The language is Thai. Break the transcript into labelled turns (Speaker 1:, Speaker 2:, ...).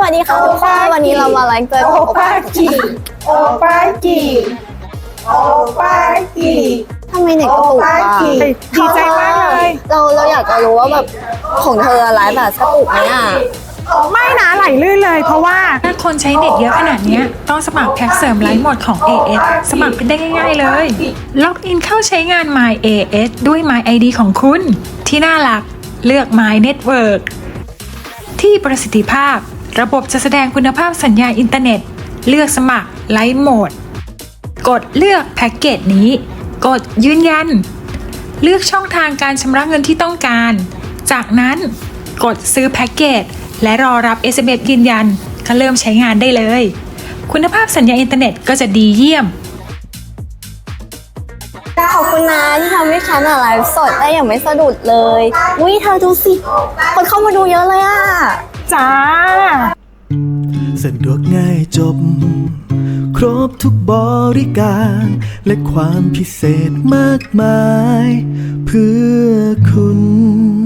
Speaker 1: วัสดีค่ะทุกคนวันนี้เรามาไลฟ์เจอกับโอปาจิ
Speaker 2: โอปาจิโอปาจิ
Speaker 1: ทำไมเน็ตกระตุกอ่ะ
Speaker 2: ดีใจมากเลย
Speaker 1: เราอยากจะรู้ว่าแบบของเธอไลฟ์แบบกระตุกไหมอ่ะ
Speaker 2: ไม่นะไหลลื่นเลยเพราะว่า
Speaker 3: ถ้าคนใช้เน็ตเยอะขนาดนี้ต้องสมัครแพ็กเสริมไลฟ์หมดของ AS สมัครเป็นได้ง่ายๆเลย ล็อกอินเข้าใช้งาน My AS ด้วย My ID ของคุณ ที่หน้าหลักเลือก My Network ที่ประสิทธิภาพระบบจะแสดงคุณภาพสัญญาณอินเทอร์เน็ต เลือกสมัครไลฟ์โหมด กดเลือกแพ็กเกจนี้ กดยืนยัน เลือกช่องทางการชำระเงินที่ต้องการ จากนั้นกดซื้อแพ็กเกจและรอรับ SMS ยืนยันก็เริ่มใช้งานได้เลย คุณภาพสัญญาณอินเทอร์เน็ตก็จะดีเยี่ยม
Speaker 1: ขอบคุณนะที่ทำให้ฉันไลฟ์สดได้อย่างไม่สะดุดเลยวิเธอดูสิคนเข้ามาดูเยอะเลยอ่ะ
Speaker 2: จ้า
Speaker 4: สะดวกง่ายจบ ครบทุกบริการ และความพิเศษมากมาย เพื่อคุณ